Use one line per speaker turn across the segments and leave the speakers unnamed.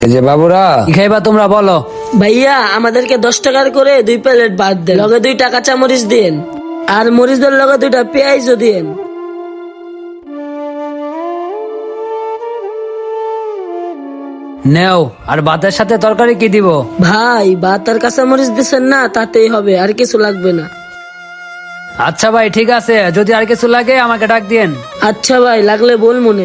এই যে বাবুরা, কি খাইবা তোমরা বলো?
ভাইয়া আমাদেরকে 10 টাকার করে 2 প্লেট ভাত দেন, লগে 2 টাকা কাঁচামরিচ দেন, আর মরিচদের লগে 2টা পেঁয়াজও দেন।
নেও। আর ভাতের সাথে তরকারি কি দিব?
ভাই ভাত আর কাঁচামরিচ দিছেন না, তাতেই হবে, আর কিছু লাগবে না।
আচ্ছা ভাই, ঠিক আছে, যদি আর কিছু লাগে আমাকে ডাক দিয়েন।
আচ্ছা ভাই, লাগলে বল মনে।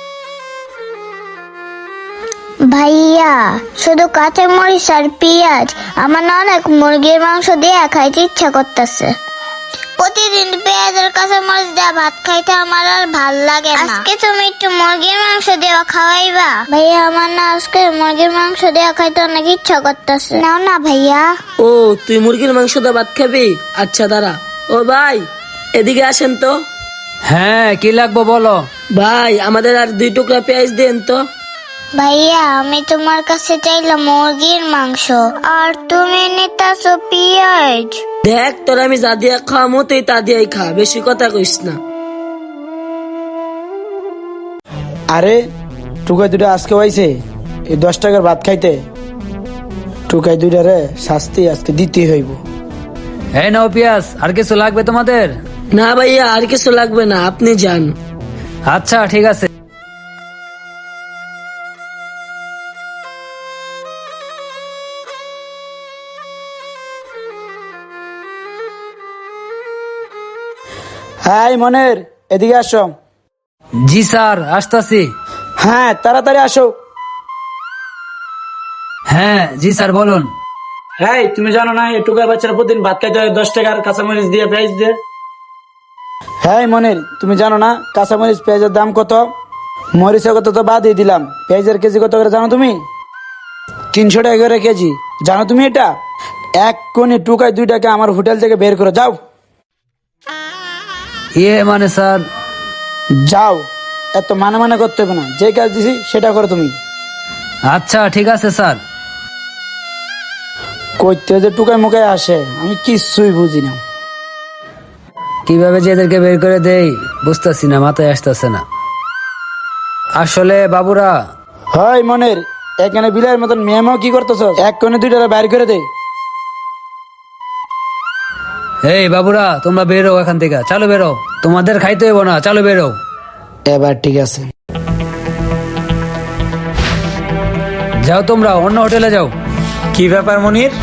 ভাইয়া শুধু কাঁচা মরিচ আর পেঁয়াজ, আমার না অনেক মুরগির মাংস দিয়ে খাইতে ইচ্ছা করতেছে। প্রতিদিন পেঁয়াজ আর কাঁচা মরিচ দিয়ে ভাত খাইতে আমার আর ভাল লাগে না। আজকে তুমি একটু মুরগির মাংস দিয়ে খাওয়াইবা? ভাইয়া আমার না আজকে মুরগির মাংস দিয়ে খাইতে অনেক ইচ্ছা করতেছে। নাও না ভাইয়া।
ও তুই মুরগির মাংস দিয়ে ভাত খাবি? আচ্ছা দাঁড়া। ও ভাই এদিকে আসেন তো।
হ্যাঁ, কি লাগবে বলো?
ভাই আমাদের আর 2 টুকরা পেঁয়াজ দেন তো।
ভাইয়া আমি তোমার কাছে চাইলাম মুরগির মাংস, আর তুমি নিতাছো পেঁয়াজ।
দেখ তোর আমি যা দিয়া খাওয়ামো তুই তা দিয়াই খা, বেশি কথা কইস না।
আরে টুকাই দুটা আজকে হয়েছে এই 10 টাকার ভাত খাইতে। টুকাই দুটা রে শাস্তি আজকে দিতেই হইব।
এই নাও পেঁয়াজ। আর কিছু লাগবে তোমাদের?
না ভাইয়া আর কিছু লাগবে না, আপনি যান।
আচ্ছা ঠিক আছে।
হ্যাঁ মনের, এদিকে আসো।
জি স্যার, আসতাছি।
হ্যাঁ তাড়াতাড়ি আসো।
হ্যাঁ জি স্যার, বলুন।
হ্যাঁ তুমি জানো না এই টুকাই বাচ্চারা প্রতিদিন ভাত খাইতে হয় 10 টাকার কাঁচামরিচ দিয়ে পেঁয়াজ দিয়ে। হ্যাঁ মনের, তুমি জানো না কাঁচামরিচ পেঁয়াজের দাম কত? মরিচের কত তো বাদই দিলাম, পেঁয়াজের কেজি কত করে জানো তুমি? 300 টাকা করে কেজি। জানো তুমি এটা? এক কোণে টুকাই 2 টাকা আমার হোটেল থেকে বের করে যাও।
মানে স্যার?
যাও, এত মানে মানে করতে হবে না, যে কাজ দিছি সেটা করো তুমি।
আচ্ছা ঠিক আছে স্যার।
কইতে যে টুকাই মুখায় আসে আমি কিছুই বুঝি না।
কিভাবে যে এদেরকে বের করে দেই বুঝতেছি না, মাথায় আসতেছে না আসলে। বাবুরা,
হয় মনের, এখানে বিলাইয়ের মতন মেয়েমাও কি করতেছ? এক কোণে 2 টাকা বাইর করে দে।
এই বাবুরা, তোমরা বেরো এখান থেকে, চালু বেরো। তোমাদের খাইতে হইব না, চালু বেরো।
এবার ঠিক আছে।
যাও তোমরা অন্য হোটেলে যাও।
কি ব্যাপার মনির,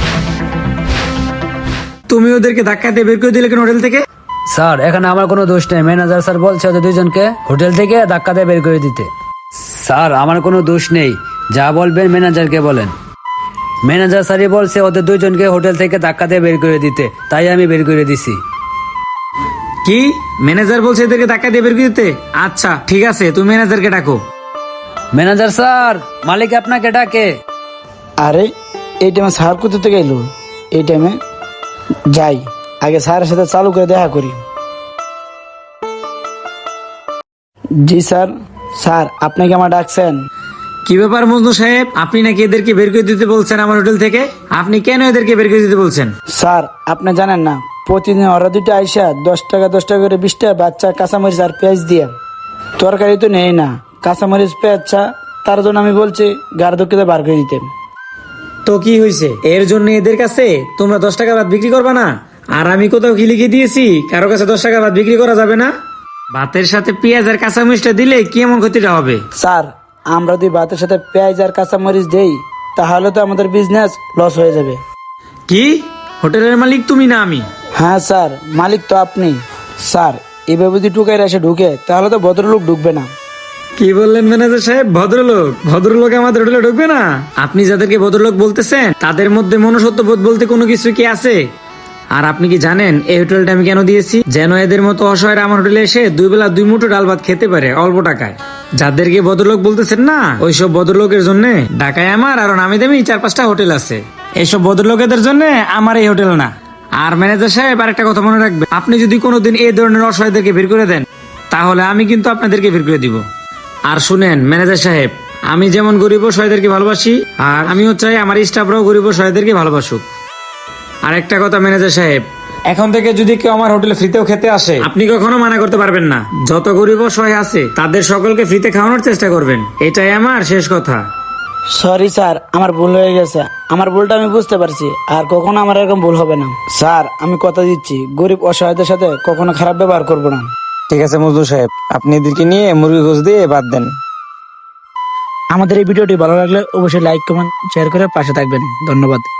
তুমি ওদেরকে ধাক্কা দিয়ে বের করে দিলে কেন হোটেল থেকে?
স্যার এখানে আমার কোনো দোষ নেই, ম্যানেজার স্যার বলছে ওদের 2জনকে হোটেল থেকে ধাক্কা দিয়ে বের করে দিতে। স্যার আমার কোনো দোষ নেই, যা বলবেন ম্যানেজারকে বলেন। ম্যানেজার স্যারই বলছে ওদের 2জনকে হোটেল থেকে ধাক্কা দিয়ে বের করে দিতে, তাই আমি বের করে দিছি।
কি ম্যানেজার বলছে এদেরকে ধাক্কা দিয়ে বের করে দিতে? আচ্ছা ঠিক আছে, তুমি ম্যানেজারকে ডাকো।
ম্যানেজার স্যার, মালিক আপনাকে ডাকে।
আরে এই টাইমে স্যার কোথা থেকে এলো? এই টাইমে যাই, আগে স্যারের সাথে চালু করে দেখা করি। জি স্যার। স্যার আপনি কি আমার ডাকছেন?
কি ব্যাপার মজনু সাহেব, আপনি নাকি এদেরকে বের করে দিতে বলছেন আমার হোটেল থেকে? আপনি কেন এদেরকে বের করে দিতে বলছেন?
স্যার আপনি জানেন না, প্রতিদিন ওরা 2টা আইসা 10 টাকা 10 টাকা করে 20 টাকা বাচ্চা কাঁচামরিচ আর পেঁয়াজ দিয়ে তরকারি তো নেই না, কাঁচামরিচ পেঁয়াজ চা, তার জন্য আমি বলছি গাড়ি দুঃখিত বার করে দিতে।
তো কি হয়েছে? এর জন্য এদের কাছে তোমরা 10 টাকা ভাত বিক্রি করবা না? আর আমি কোথাও কি লিখে দিয়েছি কারো কাছে 10 টাকা ভাত বিক্রি করা যাবে না? ভাতের সাথে পেঁয়াজ আর কাঁচামরিচটা দিলে কি এমন ক্ষতিটা হবে?
স্যার আমরা যদি ভাতের সাথে পেঁয়াজ আর কাঁচামরিচ দেই তাহলে তো আমাদের বিজনেস লস হয়ে যাবে।
কি হোটেলের মালিক তুমি না আমি?
হ্যাঁ স্যার, মালিক তো আপনি। স্যার এভাবে যদি টুকাইরা এসে ঢুকে তাহলে তো ভদ্রলোক ঢুকবে না।
কি বললেন ম্যানেজার সাহেব? ভদ্রলোক? ভদ্রলোক আমাদের হোটেলে ঢুকবে না? আপনি যাদেরকে ভদ্রলোক বলতেছেন তাদের মধ্যে মনুষ্যত্ব বোধ বলতে কোনো কিছু কি আছে? আর আপনি কি জানেন এই হোটেলটা আমি কেন দিয়েছি? যেন এদের মতো অসহায়রা আমার হোটেলে এসে 2 বেলা 2 মুঠো ডাল ভাত খেতে পারে অল্প টাকায়। যাদেরকে ভদ্রলোক বলতেছেন না, ওইসব ভদ্রলোকের জন্য ঢাকায় আমার আরো নামি দামি 4-5টা হোটেল আছে। এইসব ভদ্রলোকেদের জন্য আমার এই হোটেল না। আর ম্যানেজার সাহেব আরেকটা কথা মনে রাখবেন, আপনি যদি কোনোদিন এই ধরনের অসহায়দেরকে বের করে দেন তাহলে আমি কিন্তু আপনাদেরকে বের করে দিব। আর শুনেন ম্যানেজার সাহেব, আমি যেমন গরিব অসহায়দেরকে ভালোবাসি, আর আমিও চাই আমার স্টাফরাও গরিব অসহায়দেরকে ভালোবাসুক। আর একটা কথা ম্যানেজার সাহেব, এখন থেকে যদি কেউ আমার হোটেলে ফ্রিতেও খেতে আসে আপনি কখনো মানা করতে পারবেন না। যত গরিব অসহায় আছে তাদের সকলকে ফ্রিতে খাওয়ানোর চেষ্টা করবেন, এটাই আমার শেষ কথা।
সরি স্যার, আমার ভুল হয়ে গেছে। আমার ভুলটা আমি বুঝতে পারছি, আর কখনো আমার এরকম ভুল হবে না। স্যার, আমি কথা দিচ্ছি গরিব অসহায়দের সাথে কখনো খারাপ ব্যবহার করব না।
ঠিক আছে মজনু সাহেব, আপনি এদেরকে নিয়ে মুরগি গোশ দিয়ে বাদ দেন।
আমাদের এই ভিডিওটি ভালো লাগলে অবশ্যই লাইক কমেন্ট শেয়ার করে পাশে থাকবেন। ধন্যবাদ।